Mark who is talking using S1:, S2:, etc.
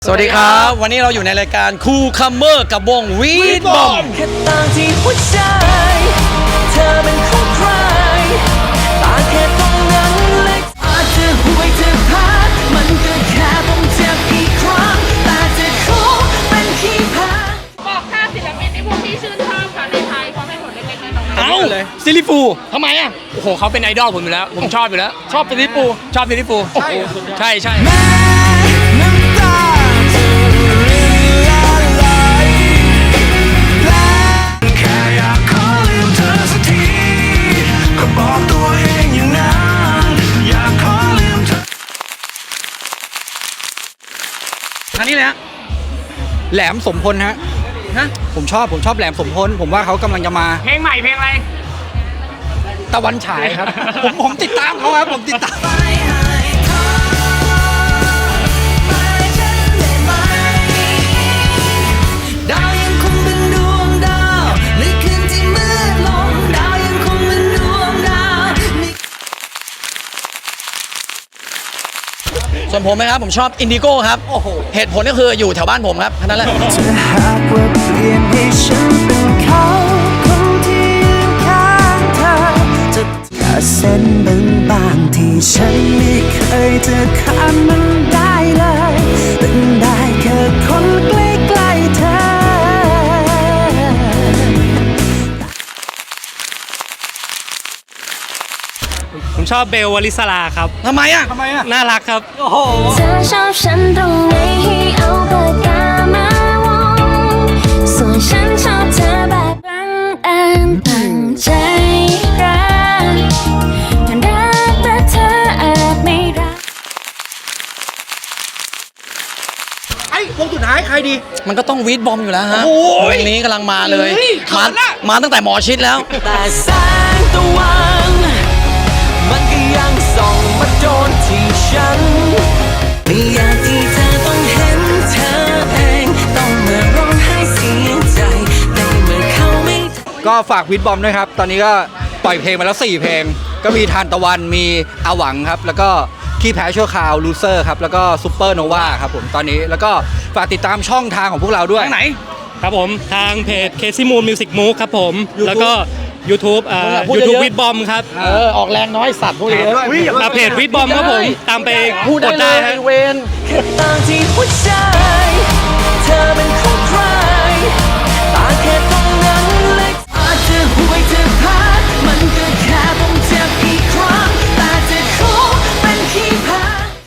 S1: สวัสดีครับวันนี้เราอยู่ในรายการคูลคัมเมอร์กับวงวีดบอม
S2: แค่ต่างที่หัวใจเธอเป็นของใครต่างแค่ตรงนั้นเล็กอาจจะห่วยจะพลาดมันก็แค่ต้องเจ็บอีกครั้งแต่จะขอเป็นที่พัก
S3: บอกค่าศิลปินในพวกที่ชื่นชอบค่ะในไทยความให้ผลเล็กๆน้อยๆ
S1: เอาเลยซิลิฟูทำไมอ่ะ
S4: โอ้โหเขาเป็นไอดอลผมอยู่แล้ว ผมชอบอยู่แล้ว
S1: ชอบซิลิฟู
S4: ชอบซิลลิฟูลใช่ใช่
S2: น้ำตาจะละลายแค่อยากขอลืมเธอสักทีก็บอกตัวเองอย่างนั้นอยากขอลืมเธอ
S1: ทางนี้เลยฮะ
S5: แหลมสมพลฮะ ผมชอบแหลมสมพล ผมว่าเขากำลังจะมา
S4: เพลงใหม่เพลงอะไร
S5: ตะวันฉายครับ ผมติดตามเขาครับ ผมติดตาม
S2: ดาวยังคงเป็นดวงดาวในคืนที่มืดลงดาวยังคงเป็นดวงดาว
S1: ส่วนผมนะครับผมชอบอินดิโก้ครับเหตุผลก็คืออยู่แถวบ้านผมครับแค่นั้นแหละ
S2: จะหากว่าเปลี่ยนให้ฉันเป็นเขาคนที่ยืนข้างเธอจะแค่เส้นบางๆที่ฉันไม่เคยจะข้ามมันได้เลยเป็นได้แค่คนใกล้ๆเธอ
S6: ผมชอบเบลวลิสลาครับ
S1: ทำไมอ่ะ
S6: น่ารักครับ
S7: เธอชอบฉันตรงไหนให้เอาปากกามาวงส่วนฉันชอบเธอแบบบังเอิญตั้งใจรักแต่รักแต่เธออาจไม่รัก
S5: ไอ้วงสุดท้ายใครดี
S1: มันก็ต้องวีดบอมอยู่แล้วฮะ
S5: โอ้
S1: วย งนี้กำลังมาเลย
S5: เฮ้ย
S1: มา
S5: เขินอะ
S1: มาตั้งแต่หมอชิดแล้ว
S2: แต่แสงตะวันมันก็ยังส่องมาโดนที่ฉันไม่อยากที่เธอต้องเห็นเธอเองต้องมาร้องไห้เสียใจในเมื่อเขาไม่
S5: ก็ฝากวิดบอมด้วยครับ ตอนนี้ก็ปล่อยเพลงมาแล้ว 4 เพลง ก็มีทานตะวัน มีอาหวังครับ แล้วก็ขี้แพ้ชั่วคราวลูเซอร์ครับ แล้วก็ซูเปอร์โนวาครับผมตอนนี้ แล้วก็ฝากติดตามช่องทางของพวกเราด้วย
S1: ทางไหน
S6: ครับผมทางเพจ Casey Moon Music Move ครับผม แล้วก็ YouTube
S1: พูด
S6: YouTube
S1: เยอะๆ
S6: วิดบอมครับ
S1: ออกแรงน้อยสัตว์พูดเลย
S6: เพจวิดบอมครับผม ตามไป
S1: พูด
S6: ก
S1: ได้
S6: ด
S1: เล
S6: ได้
S1: ย
S6: ฮะ
S1: เวน
S2: แค่ต่างที่หัวใจเธอเป็น